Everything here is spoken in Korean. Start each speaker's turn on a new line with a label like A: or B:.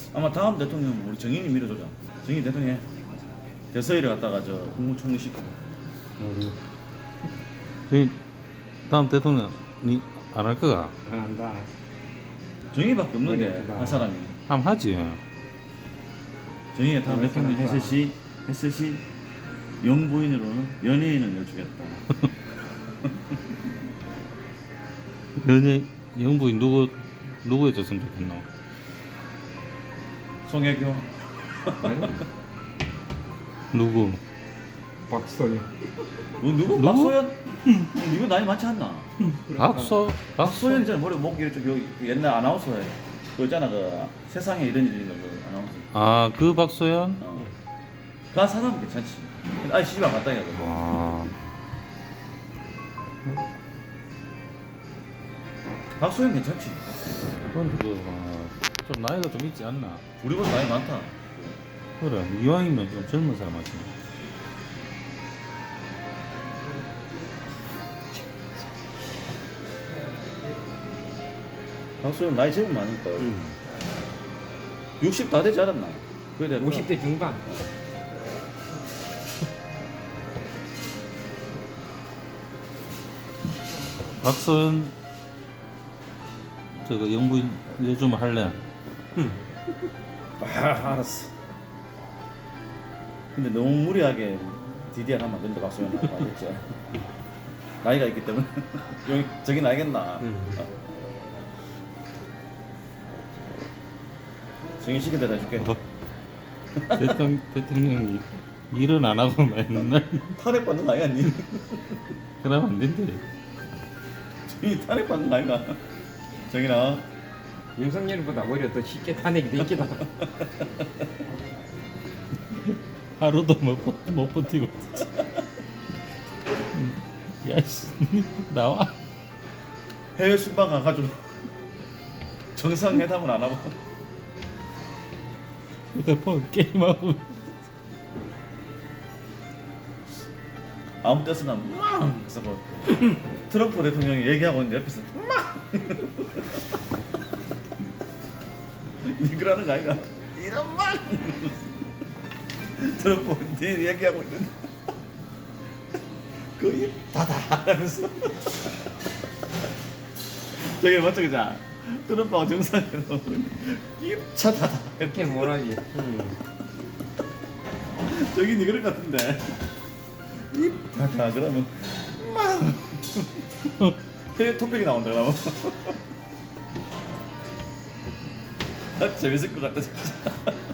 A: 아마 다음 대통령 우리 정인이 밀어주자. 정인 대통령 해. 대서희를 갖다가 저 국무총리 시키고.
B: 저희 다음 대통령이 안 할 거가?
C: 안 한다.
A: 정인이밖에 없는데
C: 그러니까.
A: 한 사람이.
B: 한번 하지.
A: 정인이 다음
C: 그러니까.
A: 대통령 했을 시 영부인으로는 연예인을 여주겠다.
B: 영부인 누구 해줬으면 좋겠노?
A: 송혜교.
B: 누구?
C: 박소영.
A: 누구? 박소연? 이거 나이 많지 않나?
B: 박소연?
A: 있잖아. 머리 목 이렇게 여기 옛날 아나운서에 그 있잖아. 그 세상에 이런 일이 있는 그 아나운서.
B: 아, 그 박소연?
A: 그 사람 괜찮지. 아니 시집안 갔다 해야 돼.
B: 아,
A: 박소연 괜찮지.
B: 그건 좀 나이가 좀 있지 않나?
A: 우리보다 나이 많다.
B: 그래, 이왕이면 좀 젊은 사람 하지.
A: 박소연 나이 제일 많으니까. 60 다 되지 않았나? 그래 내가
C: 50대 중반.
B: 박소연 저거 영부인 요즘 할래?
A: 알았어. 근데 너무 무리하게 DDR 하면 안 된다. 박소연 알겠지? 나이가 있기 때문에 여기 저긴 알겠나? 정인 시킨 대로 해줄게.
B: 대통령이 일은 안 하고 맨날
A: 탄핵 받는 거 아니야, 니?
B: 그러면 안 된대.
A: 정인 탄핵 받는 거 아닌가? 정인아.
C: 윤석열보다 오히려 더 쉽게 탄핵이 되겠다.
B: 하루도 못 버티고. 야씨 나와.
A: 해외 순방 가가지고 정상회담을 안 하고
B: 휴대폰 게임하고.
A: 아무 때서나 막 그래서 뭐 트럼프 대통령이 얘기하고 있는데 옆에서 막 니그라는 거 아이가 이런 막 트럼프 니 얘기하고 있는데 그입 닫아 하면서 저기 맞죠 그자 트럼프하고 정상회담 입차 닫아
C: 이렇게 뭐라지?
A: 저기 니 그럴 것 같은데 입 닫아 그러면 막 해외 토픽이 나온다 그러면 재밌을 것 같다 진짜.